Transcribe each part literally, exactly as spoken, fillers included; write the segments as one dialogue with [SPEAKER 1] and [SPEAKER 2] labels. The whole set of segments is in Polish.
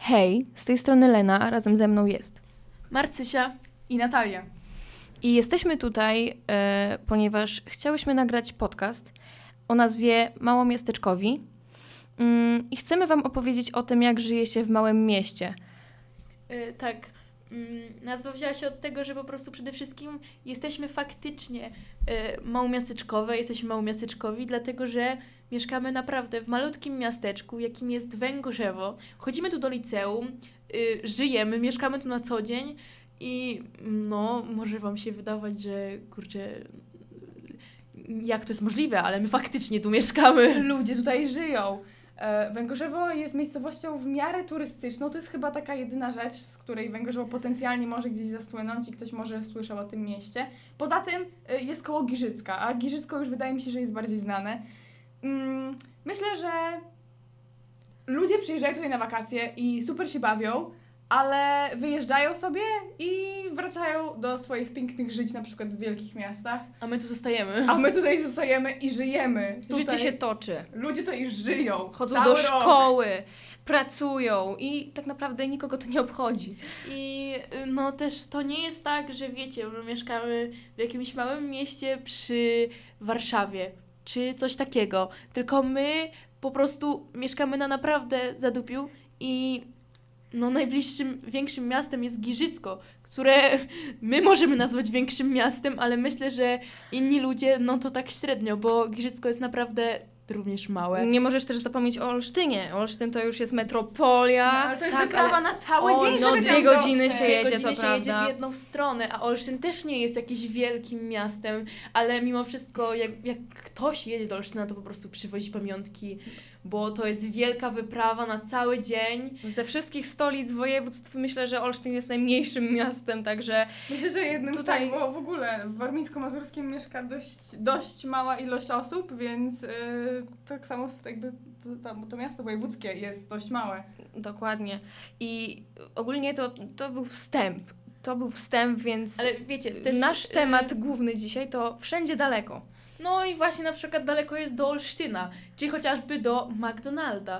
[SPEAKER 1] Hej, z tej strony Lena, a razem ze mną jest
[SPEAKER 2] Marcysia
[SPEAKER 3] i Natalia.
[SPEAKER 1] I jesteśmy tutaj, e, ponieważ chciałyśmy nagrać podcast o nazwie Małomiasteczkowi mm, i chcemy wam opowiedzieć o tym, jak żyje się w małym mieście.
[SPEAKER 2] Yy, tak, yy, nazwa wzięła się od tego, że po prostu przede wszystkim jesteśmy faktycznie yy, małomiasteczkowe, jesteśmy małomiasteczkowi, dlatego że mieszkamy naprawdę w malutkim miasteczku, jakim jest Węgorzewo. Chodzimy tu do liceum, yy, żyjemy, mieszkamy tu na co dzień i no, może wam się wydawać, że kurczę, jak to jest możliwe, ale my faktycznie tu mieszkamy.
[SPEAKER 3] Ludzie tutaj żyją. E, Węgorzewo jest miejscowością w miarę turystyczną. To jest chyba taka jedyna rzecz, z której Węgorzewo potencjalnie może gdzieś zasłynąć i ktoś może słyszał o tym mieście. Poza tym e, jest koło Giżycka, a Giżycko już wydaje mi się, że jest bardziej znane. Mm, myślę, że ludzie przyjeżdżają tutaj na wakacje i super się bawią, ale wyjeżdżają sobie i wracają do swoich pięknych żyć, na przykład w wielkich miastach.
[SPEAKER 2] A my tu zostajemy.
[SPEAKER 3] A my tutaj zostajemy i żyjemy. Tutaj
[SPEAKER 1] Życie się toczy.
[SPEAKER 3] ludzie tutaj żyją.
[SPEAKER 1] Chodzą
[SPEAKER 3] cały
[SPEAKER 1] do
[SPEAKER 3] rok.
[SPEAKER 1] szkoły, pracują i tak naprawdę nikogo to nie obchodzi.
[SPEAKER 2] I y, no też to nie jest tak, że wiecie, my mieszkamy w jakimś małym mieście przy Warszawie, czy coś takiego, tylko my po prostu mieszkamy na naprawdę zadupiu i no najbliższym większym miastem jest Giżycko, które my możemy nazwać większym miastem, ale myślę, że inni ludzie no to tak średnio, bo Giżycko jest naprawdę również małe.
[SPEAKER 1] Nie możesz też zapomnieć o Olsztynie. Olsztyn to już jest metropolia.
[SPEAKER 3] No, ale to jest
[SPEAKER 2] Tak,
[SPEAKER 3] wyprawa
[SPEAKER 2] ale-
[SPEAKER 3] na cały
[SPEAKER 1] O,
[SPEAKER 3] dzień.
[SPEAKER 1] no,
[SPEAKER 3] żeby
[SPEAKER 1] dwie
[SPEAKER 3] tam
[SPEAKER 1] godziny
[SPEAKER 3] dotrzeć.
[SPEAKER 1] się jedzie,
[SPEAKER 2] godziny
[SPEAKER 1] to
[SPEAKER 2] się jedzie
[SPEAKER 1] prawda.
[SPEAKER 2] w jedną stronę, a Olsztyn też nie jest jakimś wielkim miastem, ale mimo wszystko jak, jak ktoś jedzie do Olsztyna, to po prostu przywozi pamiątki, bo to jest wielka wyprawa na cały dzień.
[SPEAKER 1] Ze wszystkich stolic województw myślę, że Olsztyn jest najmniejszym miastem, także
[SPEAKER 3] Myślę, że jednym
[SPEAKER 1] Tutaj-
[SPEAKER 3] z tak, bo w ogóle w Warmińsko-Mazurskim mieszka dość, dość mała ilość osób, więc yy, tak samo jakby to, to, to miasto wojewódzkie jest dość małe.
[SPEAKER 1] dokładnie. I ogólnie to, to był wstęp. To był wstęp, więc
[SPEAKER 2] Ale wiecie, też...
[SPEAKER 1] nasz
[SPEAKER 2] y,
[SPEAKER 1] temat główny dzisiaj to wszędzie daleko.
[SPEAKER 2] No i właśnie na przykład daleko jest do Olsztyna, czy chociażby do McDonalda.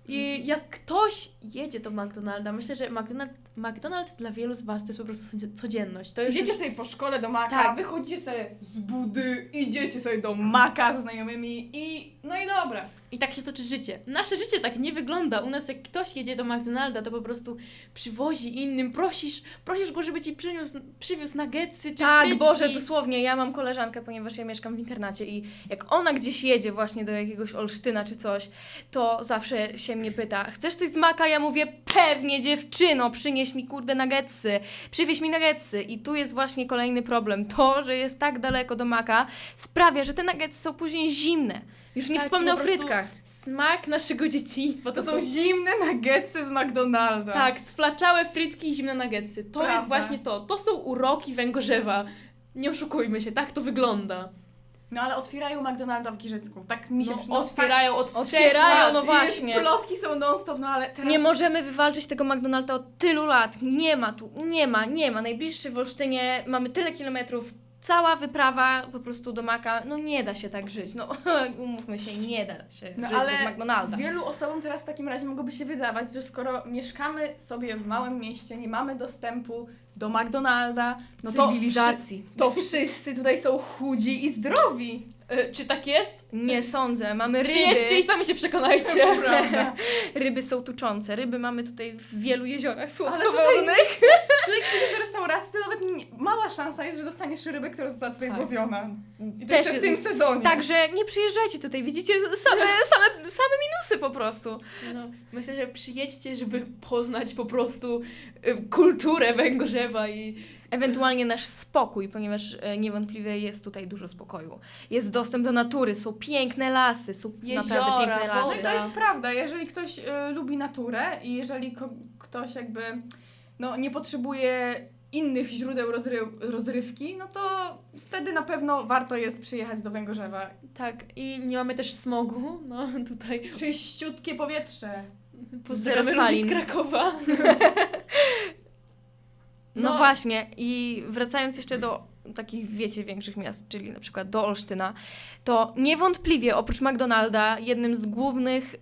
[SPEAKER 2] I jak ktoś jedzie do McDonalda, myślę, że McDonald, McDonald dla wielu z Was to jest po prostu codzienność. To jest
[SPEAKER 3] Idziecie
[SPEAKER 2] już-
[SPEAKER 3] sobie po szkole do Maka,
[SPEAKER 2] Tak.
[SPEAKER 3] wychodzicie sobie z budy, idziecie sobie do Maka ze znajomymi i no i dobra.
[SPEAKER 2] I tak się toczy życie. Nasze życie tak nie wygląda. U nas jak ktoś jedzie do McDonalda, to po prostu przywozi innym, prosisz, prosisz go, żeby ci przyniósł, przywiózł nuggetsy czy
[SPEAKER 1] Tak,
[SPEAKER 2] frytki.
[SPEAKER 1] Boże, dosłownie. Ja mam koleżankę, ponieważ ja mieszkam w internacie i jak ona gdzieś jedzie właśnie do jakiegoś Olsztyna czy coś, to zawsze się mnie pyta, chcesz coś z Maka? Ja mówię, pewnie dziewczyno, przynieś mi kurde nuggetsy, przywieź mi nuggetsy. I tu jest właśnie kolejny problem. To, że jest tak daleko do Maka sprawia, że te nuggetsy są później zimne. Już nie
[SPEAKER 2] Tak,
[SPEAKER 1] wspomnę
[SPEAKER 2] po
[SPEAKER 1] o
[SPEAKER 2] prostu
[SPEAKER 1] frytkach.
[SPEAKER 2] Smak naszego dzieciństwa.
[SPEAKER 3] To są zimne nuggetsy z McDonalda.
[SPEAKER 2] Tak, sflaczałe frytki i zimne nuggetsy. To
[SPEAKER 3] Prawda.
[SPEAKER 2] jest właśnie to. To są uroki Węgorzewa. Nie oszukujmy się, tak to wygląda.
[SPEAKER 3] No ale otwierają McDonalda w Giżycku. Tak mi się
[SPEAKER 2] No,
[SPEAKER 3] przyda-
[SPEAKER 2] otwierają od trzech
[SPEAKER 1] Otwierają,
[SPEAKER 2] lat.
[SPEAKER 1] no
[SPEAKER 3] I
[SPEAKER 1] właśnie.
[SPEAKER 3] Plotki są non-stop, no ale teraz...
[SPEAKER 1] Nie możemy wywalczyć tego McDonalda od tylu lat. Nie ma tu, nie ma, nie ma. Najbliższy w Olsztynie, mamy tyle kilometrów, cała wyprawa po prostu do Maka. No nie da się tak żyć. No umówmy się, nie da się
[SPEAKER 3] No,
[SPEAKER 1] żyć
[SPEAKER 3] ale
[SPEAKER 1] bez McDonalda.
[SPEAKER 3] Wielu osobom teraz w takim razie mogłoby się wydawać, że skoro mieszkamy sobie w małym mieście, nie mamy dostępu do McDonalda, no to,
[SPEAKER 1] Cywilizacji.
[SPEAKER 3] wszy- to wszyscy tutaj są chudzi i zdrowi.
[SPEAKER 2] E, czy tak jest?
[SPEAKER 1] Nie sądzę. Mamy
[SPEAKER 2] Przyjedźcie i
[SPEAKER 1] ryby.
[SPEAKER 2] sami się przekonajcie.
[SPEAKER 3] Prawda.
[SPEAKER 1] Ryby są tuczące. Ryby mamy tutaj w wielu jeziorach
[SPEAKER 3] Ale
[SPEAKER 1] słodkowodnych.
[SPEAKER 3] Tutaj pójdziesz do restauracji, to nawet nie, mała szansa jest, że dostaniesz rybę, która została tutaj
[SPEAKER 1] Tak.
[SPEAKER 3] złowiona. I to
[SPEAKER 1] Też
[SPEAKER 3] jeszcze w tym sezonie.
[SPEAKER 1] Także nie przyjeżdżajcie tutaj. Widzicie same, same, same minusy po prostu.
[SPEAKER 2] No, myślę, że przyjedźcie, żeby poznać po prostu e, kulturę Węgorzewa i
[SPEAKER 1] Ewentualnie nasz spokój, ponieważ e, niewątpliwie jest tutaj dużo spokoju. Jest dostęp do natury, są piękne lasy, są
[SPEAKER 2] Jeziora,
[SPEAKER 1] naprawdę piękne
[SPEAKER 3] No
[SPEAKER 1] lasy.
[SPEAKER 3] i to jest prawda, jeżeli ktoś y, lubi naturę i jeżeli ko- ktoś jakby no, nie potrzebuje innych źródeł rozry- rozrywki, no to wtedy na pewno warto jest przyjechać do Węgorzewa.
[SPEAKER 2] tak, i nie mamy też smogu, no tutaj
[SPEAKER 3] Czyściutkie powietrze.
[SPEAKER 2] pozdrawiamy
[SPEAKER 1] Zero
[SPEAKER 2] ludzi
[SPEAKER 1] spalin.
[SPEAKER 2] z Krakowa.
[SPEAKER 1] No,
[SPEAKER 2] No.
[SPEAKER 1] właśnie i wracając jeszcze do takich, wiecie, większych miast, czyli na przykład do Olsztyna, to niewątpliwie oprócz McDonalda jednym z głównych y,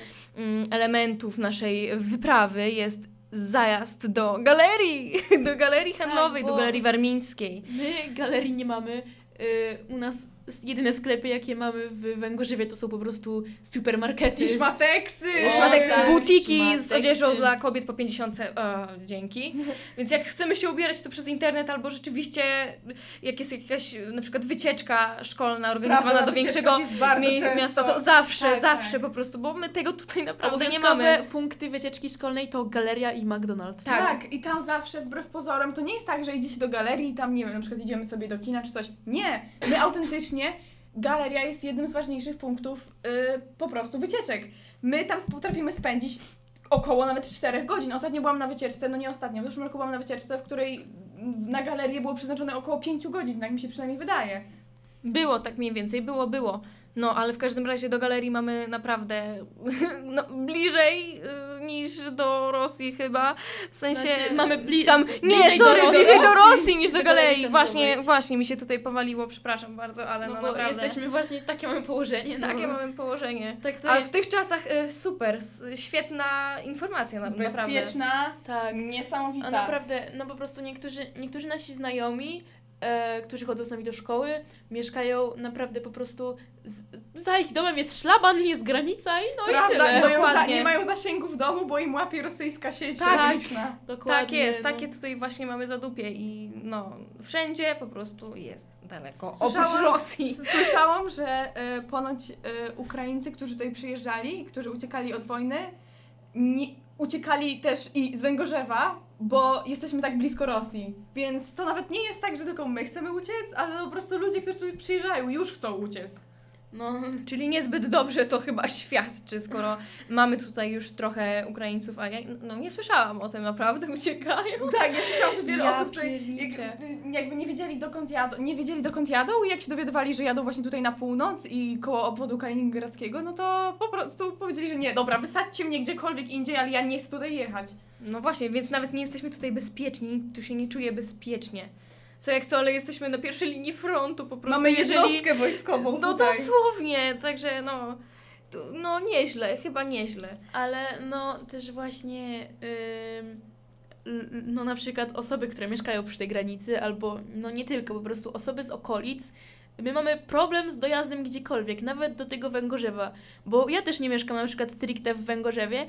[SPEAKER 1] y, elementów naszej wyprawy jest zajazd do galerii, do galerii handlowej,
[SPEAKER 2] bo-
[SPEAKER 1] do galerii warmińskiej.
[SPEAKER 2] My galerii nie mamy. Y, u nas jedyne sklepy, jakie mamy w Węgorzewie, to są po prostu supermarkety.
[SPEAKER 3] I szmateksy!
[SPEAKER 2] O,
[SPEAKER 1] Szmatek,
[SPEAKER 2] tak,
[SPEAKER 1] butiki z
[SPEAKER 2] szmateksy.
[SPEAKER 1] odzieżą dla kobiet po pięćdziesiątce. O, dzięki. Więc jak chcemy się ubierać, to przez internet albo rzeczywiście jak jest jakaś na przykład wycieczka szkolna organizowana
[SPEAKER 3] Prawda,
[SPEAKER 1] do
[SPEAKER 3] na
[SPEAKER 1] większego
[SPEAKER 3] wycieczkach jest bardzo
[SPEAKER 1] mie-
[SPEAKER 3] często.
[SPEAKER 1] miasta, to zawsze,
[SPEAKER 3] Tak,
[SPEAKER 1] zawsze
[SPEAKER 3] tak.
[SPEAKER 1] po prostu, bo my tego tutaj naprawdę nie
[SPEAKER 2] Obowiązkowe
[SPEAKER 1] mamy.
[SPEAKER 2] punkty wycieczki szkolnej to galeria i McDonald's.
[SPEAKER 1] Tak.
[SPEAKER 3] Tak. i tam zawsze wbrew pozorom to nie jest tak, że idzie się do galerii i tam, nie wiem, na przykład idziemy sobie do kina czy coś. Nie, my autentycznie, galeria jest jednym z ważniejszych punktów yy, po prostu wycieczek. My tam potrafimy spędzić około nawet czterech godzin. Ostatnio byłam na wycieczce, no nie ostatnio, w zeszłym roku byłam na wycieczce, w której na galerię było przeznaczone około pięciu godzin, tak mi się przynajmniej wydaje.
[SPEAKER 1] Było tak mniej więcej, było, było. No, ale w każdym razie do galerii mamy naprawdę no, bliżej y, niż do Rosji chyba. W sensie...
[SPEAKER 2] Znaczy, mamy bli-
[SPEAKER 1] czy tam, nie,
[SPEAKER 2] bliżej do
[SPEAKER 1] sorry,
[SPEAKER 2] Rosji
[SPEAKER 1] bliżej do Rosji niż do
[SPEAKER 2] do
[SPEAKER 1] galerii.
[SPEAKER 2] galerii
[SPEAKER 1] Właśnie,
[SPEAKER 2] handlowej.
[SPEAKER 1] właśnie mi się tutaj powaliło, przepraszam bardzo, ale no,
[SPEAKER 2] No, bo
[SPEAKER 1] naprawdę.
[SPEAKER 2] jesteśmy właśnie, takie mamy położenie. No.
[SPEAKER 1] Takie mamy położenie.
[SPEAKER 2] Tak to
[SPEAKER 1] A
[SPEAKER 2] jest.
[SPEAKER 1] w tych czasach y, super, s- świetna informacja na, naprawdę.
[SPEAKER 3] Bezpieczna,
[SPEAKER 2] Tak.
[SPEAKER 3] niesamowita.
[SPEAKER 2] A naprawdę, no po prostu niektórzy, niektórzy nasi znajomi, e, którzy chodzą z nami do szkoły, mieszkają naprawdę po prostu, z, za ich domem jest szlaban, jest granica i no
[SPEAKER 3] Prawda,
[SPEAKER 2] i tyle.
[SPEAKER 3] nie mają, za,
[SPEAKER 1] Dokładnie.
[SPEAKER 3] nie mają zasięgu w domu, bo im łapie rosyjska sieć
[SPEAKER 1] Tak.
[SPEAKER 3] graniczna.
[SPEAKER 2] Dokładnie.
[SPEAKER 1] Tak jest,
[SPEAKER 2] no.
[SPEAKER 1] takie tutaj właśnie mamy zadupie i no, wszędzie po prostu jest daleko.
[SPEAKER 3] Słyszałam-
[SPEAKER 1] Oprócz Rosji.
[SPEAKER 3] Słyszałam, że y, ponoć y, Ukraińcy, którzy tutaj przyjeżdżali, którzy uciekali od wojny, nie, uciekali też i z Węgorzewa, bo jesteśmy tak blisko Rosji. Więc to nawet nie jest tak, że tylko my chcemy uciec, ale po prostu ludzie, którzy tu przyjeżdżają, już chcą uciec.
[SPEAKER 2] No,
[SPEAKER 1] Czyli niezbyt dobrze to chyba świadczy, skoro mamy tutaj już trochę Ukraińców, a ja no, nie słyszałam o tym, naprawdę uciekają.
[SPEAKER 3] Tak, ja słyszałam, że wiele
[SPEAKER 1] Ja
[SPEAKER 3] osób tutaj
[SPEAKER 1] pierniczę.
[SPEAKER 3] jak, jakby nie wiedzieli dokąd jadą, nie wiedzieli dokąd jadą i jak się dowiadywali, że jadą właśnie tutaj na północ i koło obwodu kaliningradzkiego, no to po prostu powiedzieli, że nie, dobra, wysadźcie mnie gdziekolwiek indziej, ale ja nie chcę tutaj jechać.
[SPEAKER 1] No właśnie, więc nawet nie jesteśmy tutaj bezpieczni, nikt tu się nie czuje bezpiecznie. Co jak co, ale jesteśmy na pierwszej linii frontu po prostu.
[SPEAKER 3] Mamy
[SPEAKER 1] jeżeli...
[SPEAKER 3] jednostkę wojskową
[SPEAKER 1] No
[SPEAKER 3] tutaj.
[SPEAKER 1] dosłownie, także no, tu, no nieźle, chyba nieźle.
[SPEAKER 2] ale no też właśnie, ym, l- no na przykład osoby, które mieszkają przy tej granicy, albo no nie tylko, po prostu osoby z okolic, my mamy problem z dojazdem gdziekolwiek, nawet do tego Węgorzewa, bo ja też nie mieszkam na przykład stricte w Węgorzewie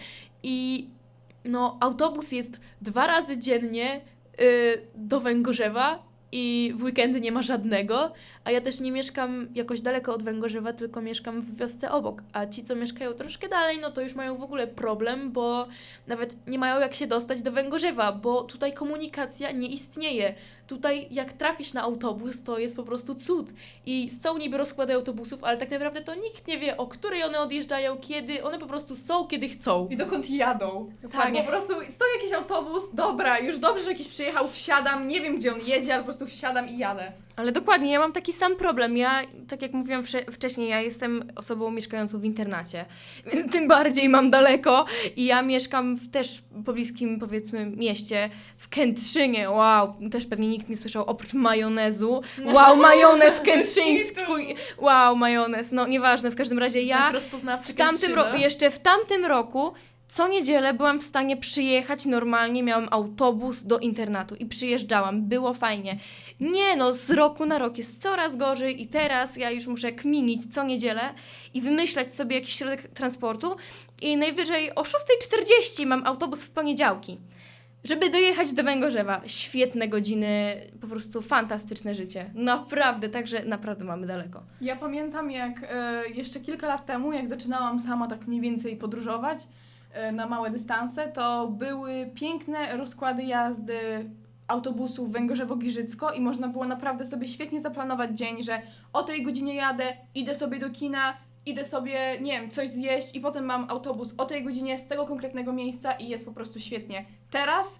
[SPEAKER 2] i no autobus jest dwa razy dziennie y, do Węgorzewa i w weekendy nie ma żadnego, a ja też nie mieszkam jakoś daleko od Węgorzewa, tylko mieszkam w wiosce obok, a ci, co mieszkają troszkę dalej, no to już mają w ogóle problem, bo nawet nie mają jak się dostać do Węgorzewa, bo tutaj komunikacja nie istnieje. Tutaj jak trafisz na autobus, to jest po prostu cud. I są niby rozkłady autobusów, ale tak naprawdę to nikt nie wie, o której one odjeżdżają, kiedy, one po prostu są, kiedy chcą.
[SPEAKER 3] I dokąd jadą.
[SPEAKER 1] Dokładnie.
[SPEAKER 3] Tak, po prostu stoi jakiś autobus, dobra, już dobrze, że jakiś przyjechał, wsiadam, nie wiem gdzie on jedzie, ale po prostu wsiadam i jadę.
[SPEAKER 1] Ale dokładnie, ja mam taki sam problem. Ja, tak jak mówiłam wcze- wcześniej, ja jestem osobą mieszkającą w internacie, więc tym bardziej mam daleko i ja mieszkam w też pobliskim, powiedzmy, mieście, w Kętrzynie. Wow, też pewnie nikt nie słyszał oprócz majonezu. Wow, majonez kętrzyński. Wow, majonez. No nieważne, w każdym razie ja
[SPEAKER 2] Znak rozpoznawczy
[SPEAKER 1] w tamtym
[SPEAKER 2] Kętrzyna.
[SPEAKER 1] roku, jeszcze w tamtym roku co niedzielę byłam w stanie przyjechać normalnie, miałam autobus do internatu i przyjeżdżałam, było fajnie. Nie no, z roku na rok jest coraz gorzej i teraz ja już muszę kminić co niedzielę i wymyślać sobie jakiś środek transportu i najwyżej o szósta czterdzieści mam autobus w poniedziałki, żeby dojechać do Węgorzewa. Świetne godziny, po prostu fantastyczne życie. Naprawdę, także naprawdę mamy daleko.
[SPEAKER 3] Ja pamiętam jak e, jeszcze kilka lat temu, jak zaczynałam sama tak mniej więcej podróżować e, na małe dystanse, to były piękne rozkłady jazdy autobusów Węgorzewo-Giżycko i można było naprawdę sobie świetnie zaplanować dzień, że o tej godzinie jadę, idę sobie do kina, idę sobie, nie wiem, coś zjeść i potem mam autobus o tej godzinie z tego konkretnego miejsca i jest po prostu świetnie. Teraz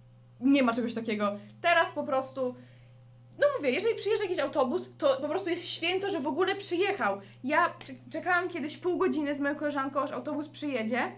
[SPEAKER 3] nie ma czegoś takiego. Teraz po prostu, no mówię, jeżeli przyjeżdża jakiś autobus, to po prostu jest święto, że w ogóle przyjechał. Ja cze- czekałam kiedyś pół godziny z moją koleżanką, aż autobus przyjedzie.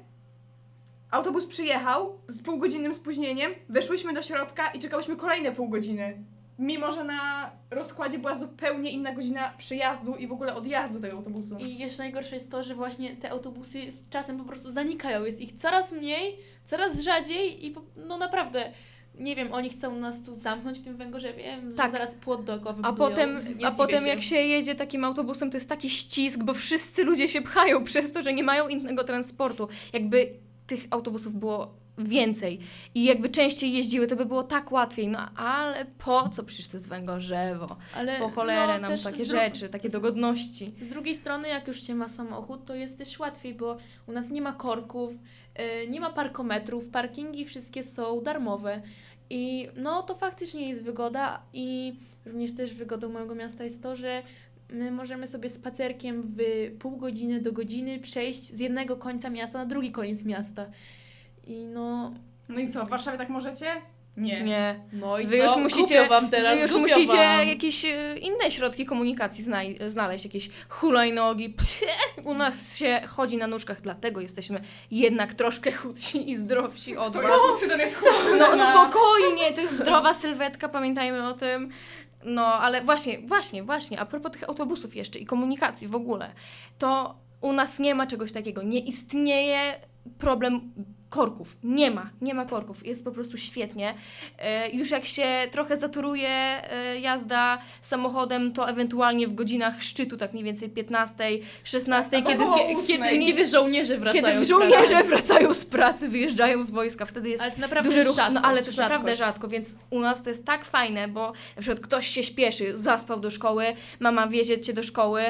[SPEAKER 3] Autobus przyjechał z półgodzinnym spóźnieniem, weszłyśmy do środka i czekałyśmy kolejne pół godziny. mimo że na rozkładzie była zupełnie inna godzina przyjazdu i w ogóle odjazdu tego autobusu.
[SPEAKER 2] I jeszcze najgorsze jest to, że właśnie te autobusy z czasem po prostu zanikają. Jest ich coraz mniej, coraz rzadziej i po, no naprawdę, nie wiem, oni chcą nas tu zamknąć w tym Węgorzewie,
[SPEAKER 1] Tak.
[SPEAKER 2] że zaraz płot dookoła
[SPEAKER 1] A
[SPEAKER 2] wybudują.
[SPEAKER 1] potem,
[SPEAKER 2] Nie
[SPEAKER 1] a
[SPEAKER 2] zdziwię
[SPEAKER 1] potem
[SPEAKER 2] się.
[SPEAKER 1] jak się jedzie takim autobusem, to jest taki ścisk, bo wszyscy ludzie się pchają przez to, że nie mają innego transportu. Jakby tych autobusów było więcej i jakby częściej jeździły, to by było tak łatwiej. No ale po co? Przecież to jest Węgorzewo.
[SPEAKER 2] Ale,
[SPEAKER 1] Po cholerę
[SPEAKER 2] no,
[SPEAKER 1] nam
[SPEAKER 2] też
[SPEAKER 1] takie
[SPEAKER 2] z dru-
[SPEAKER 1] rzeczy, takie
[SPEAKER 2] z-
[SPEAKER 1] dogodności.
[SPEAKER 2] Z drugiej strony, jak już się ma samochód, to jest też łatwiej, bo u nas nie ma korków, yy, nie ma parkometrów, parkingi wszystkie są darmowe. I no to faktycznie jest wygoda i również też wygodą mojego miasta jest to, że my możemy sobie spacerkiem w pół godziny do godziny przejść z jednego końca miasta na drugi koniec miasta. I no...
[SPEAKER 3] No i co, w Warszawie tak możecie? Nie.
[SPEAKER 1] Nie.
[SPEAKER 2] No i
[SPEAKER 1] Wy
[SPEAKER 2] co?
[SPEAKER 1] już musicie,
[SPEAKER 2] Głupio wam teraz,
[SPEAKER 1] wy już
[SPEAKER 2] głupio
[SPEAKER 1] musicie
[SPEAKER 2] wam.
[SPEAKER 1] jakieś e, inne środki komunikacji znaj- znaleźć, jakieś hulajnogi. Pcie, u nas się chodzi na nóżkach, dlatego jesteśmy jednak troszkę chudsi i zdrowsi od
[SPEAKER 3] To
[SPEAKER 1] was.
[SPEAKER 3] jest, czy ten jest chudszy?
[SPEAKER 1] No spokojnie, to jest zdrowa sylwetka, pamiętajmy o tym. No, ale właśnie, właśnie, właśnie, a propos tych autobusów jeszcze i komunikacji w ogóle, to u nas nie ma czegoś takiego, nie istnieje problem korków, nie ma, nie ma korków, jest po prostu świetnie. E, już jak się trochę zaturuje e, jazda samochodem, to ewentualnie w godzinach szczytu, tak mniej więcej piętnastej, szesnastej,
[SPEAKER 3] Albo
[SPEAKER 1] kiedy,
[SPEAKER 3] koło
[SPEAKER 1] z-
[SPEAKER 2] Kiedy,
[SPEAKER 3] ósmej.
[SPEAKER 2] kiedy żołnierze wracają
[SPEAKER 1] kiedy
[SPEAKER 2] z
[SPEAKER 1] żołnierze
[SPEAKER 2] pracy.
[SPEAKER 1] wracają z pracy, wyjeżdżają z wojska, wtedy jest
[SPEAKER 2] Ale to naprawdę
[SPEAKER 1] duży ruch,
[SPEAKER 2] rzadkość,
[SPEAKER 1] no ale to jest
[SPEAKER 2] rzadkość.
[SPEAKER 1] naprawdę rzadko, więc u nas to jest tak fajne, bo na przykład ktoś się śpieszy, zaspał do szkoły, mama wiezie cię do szkoły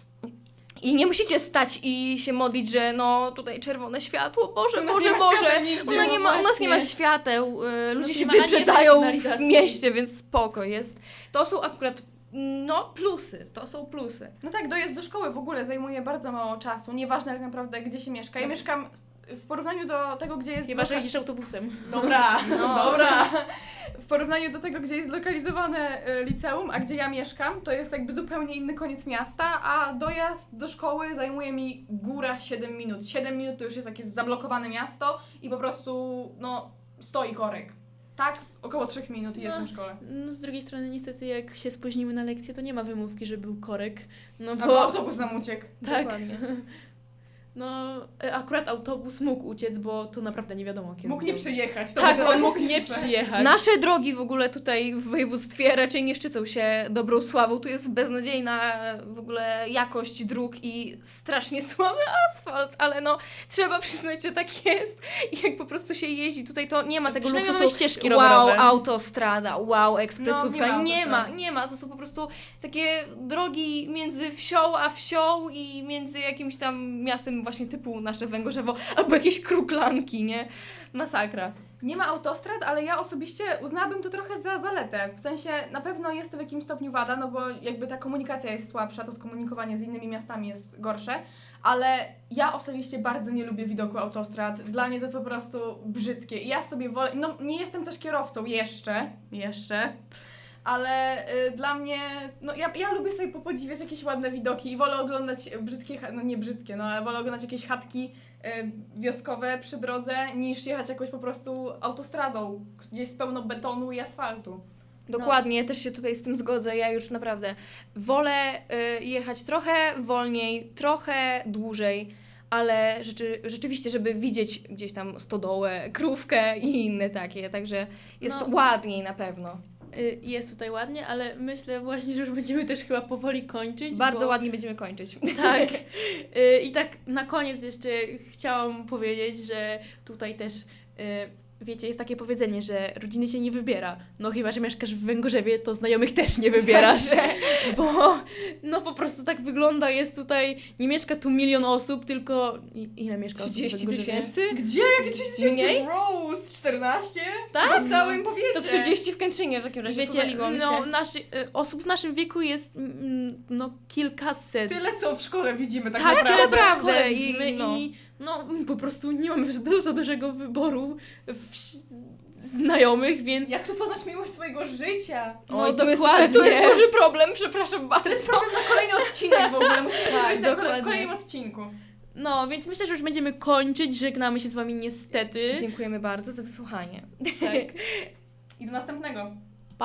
[SPEAKER 1] i nie musicie stać i się modlić, że no tutaj czerwone światło, Boże,
[SPEAKER 3] U nas
[SPEAKER 1] Boże,
[SPEAKER 3] nie ma
[SPEAKER 1] Boże.
[SPEAKER 3] świateł nigdzie,
[SPEAKER 1] Ona
[SPEAKER 3] no
[SPEAKER 1] nie ma, u nas nie ma
[SPEAKER 3] właśnie.
[SPEAKER 1] świateł, y, ludzie
[SPEAKER 2] nie
[SPEAKER 1] się
[SPEAKER 2] ma ani
[SPEAKER 1] wyprzedzają
[SPEAKER 2] jednej
[SPEAKER 1] w
[SPEAKER 2] sygnalizacji.
[SPEAKER 1] mieście, więc spoko jest. To są akurat, no plusy, to są plusy.
[SPEAKER 3] No tak, dojazd do szkoły w ogóle zajmuje bardzo mało czasu, nieważne tak naprawdę gdzie się mieszka. Ja mieszkam w porównaniu do tego, gdzie jest...
[SPEAKER 2] Chyba, że
[SPEAKER 3] loka-
[SPEAKER 2] jedziesz autobusem.
[SPEAKER 3] Dobra,
[SPEAKER 1] No.
[SPEAKER 3] dobra. W porównaniu do tego, gdzie jest zlokalizowane y, liceum, a gdzie ja mieszkam, to jest jakby zupełnie inny koniec miasta, a dojazd do szkoły zajmuje mi góra siedem minut. siedem minut to już jest jakieś zablokowane miasto i po prostu, no, stoi korek. Tak? Około trzech minut i
[SPEAKER 2] No.
[SPEAKER 3] jestem w szkole.
[SPEAKER 2] No z drugiej strony niestety jak się spóźnimy na lekcję, to nie ma wymówki, że był korek. No
[SPEAKER 3] Albo
[SPEAKER 2] bo
[SPEAKER 3] autobus nam uciekł.
[SPEAKER 2] tak,
[SPEAKER 1] Dokładnie.
[SPEAKER 2] no e, akurat autobus mógł uciec, bo to naprawdę nie wiadomo kiedy.
[SPEAKER 3] Mógł nie
[SPEAKER 2] był.
[SPEAKER 3] przyjechać. To
[SPEAKER 2] Tak,
[SPEAKER 3] by
[SPEAKER 2] on
[SPEAKER 3] było
[SPEAKER 2] mógł nie
[SPEAKER 3] najgorsze.
[SPEAKER 2] przyjechać.
[SPEAKER 1] Nasze drogi w ogóle tutaj w województwie raczej nie szczycą się dobrą sławą. Tu jest beznadziejna w ogóle jakość dróg i strasznie słaby asfalt, ale no trzeba przyznać, że tak jest. I jak po prostu się jeździ tutaj, to nie ma tego
[SPEAKER 2] Przynajmniej
[SPEAKER 1] luksusu.
[SPEAKER 2] mamy ścieżki
[SPEAKER 1] Wow,
[SPEAKER 2] rowerowe.
[SPEAKER 1] autostrada, wow, ekspresówka.
[SPEAKER 3] No, nie ma
[SPEAKER 1] nie ma,
[SPEAKER 3] autostrady.
[SPEAKER 1] nie ma. To są po prostu takie drogi między wsią a wsią i między jakimś tam miastem właśnie typu nasze Węgorzewo albo jakieś Kruklanki, nie? Masakra.
[SPEAKER 3] Nie ma autostrad, ale ja osobiście uznałabym to trochę za zaletę. W sensie na pewno jest to w jakimś stopniu wada, no bo jakby ta komunikacja jest słabsza, to skomunikowanie z innymi miastami jest gorsze, ale ja osobiście bardzo nie lubię widoku autostrad. Dla mnie to jest po prostu brzydkie. I ja sobie wolę, no nie jestem też kierowcą jeszcze, jeszcze, ale y, dla mnie, no ja, ja lubię sobie popodziwiać jakieś ładne widoki i wolę oglądać brzydkie, cha- no nie brzydkie, no ale wolę oglądać jakieś chatki y, wioskowe przy drodze, niż jechać jakąś po prostu autostradą, gdzie jest pełno betonu i asfaltu.
[SPEAKER 1] Dokładnie, ja też się tutaj z tym zgodzę. Ja już naprawdę wolę y, jechać trochę wolniej, trochę dłużej, ale rzeczy, rzeczywiście, żeby widzieć gdzieś tam stodołę, krówkę i inne takie, także jest
[SPEAKER 2] No.
[SPEAKER 1] ładniej na pewno.
[SPEAKER 2] Y, Jest tutaj ładnie, ale myślę właśnie, że już będziemy też chyba powoli kończyć.
[SPEAKER 1] Bardzo
[SPEAKER 2] bo...
[SPEAKER 1] ładnie będziemy kończyć.
[SPEAKER 2] Tak. Y, I tak na koniec jeszcze chciałam powiedzieć, że tutaj też, y, wiecie, jest takie powiedzenie, że rodziny się nie wybiera. No chyba, że mieszkasz w Węgorzewie, to znajomych też nie wybierasz.
[SPEAKER 1] Także
[SPEAKER 2] Bo no po prostu tak wygląda, jest tutaj, nie mieszka tu milion osób, tylko i- ile mieszka osób w
[SPEAKER 1] trzydzieści
[SPEAKER 2] Węgorzewie?
[SPEAKER 1] tysięcy?
[SPEAKER 3] Gdzie? Jakie trzydzieści
[SPEAKER 1] Mniej?
[SPEAKER 3] Rose? czternaście?
[SPEAKER 1] Tak?
[SPEAKER 3] W całym powiecie.
[SPEAKER 1] To trzydzieści w Kętrzynie w takim
[SPEAKER 2] I
[SPEAKER 1] razie,
[SPEAKER 2] wiecie,
[SPEAKER 1] powaliłam
[SPEAKER 2] no,
[SPEAKER 1] się.
[SPEAKER 2] naszy, y, osób w naszym wieku jest mm, no kilkaset.
[SPEAKER 3] Tyle co w szkole widzimy tak,
[SPEAKER 1] Tak,
[SPEAKER 3] naprawdę.
[SPEAKER 1] tyle
[SPEAKER 2] w
[SPEAKER 1] prawda.
[SPEAKER 2] szkole
[SPEAKER 1] i-
[SPEAKER 2] widzimy
[SPEAKER 1] no.
[SPEAKER 2] i no po prostu nie mamy za- za dużego wyboru w, znajomych, więc
[SPEAKER 3] Jak tu poznać miłość swojego życia?
[SPEAKER 2] no,
[SPEAKER 1] Oj, to jest,
[SPEAKER 2] dokładnie.
[SPEAKER 1] to jest duży problem, przepraszam bardzo.
[SPEAKER 3] To jest problem na kolejny odcinek w ogóle. Musimy
[SPEAKER 1] Tak,
[SPEAKER 3] tak, na kole- w
[SPEAKER 1] dokładnie.
[SPEAKER 3] kolejnym odcinku.
[SPEAKER 2] No, więc myślę, że już będziemy kończyć. Żegnamy się z wami niestety.
[SPEAKER 1] Dziękujemy bardzo za wysłuchanie.
[SPEAKER 2] Tak.
[SPEAKER 3] I do następnego.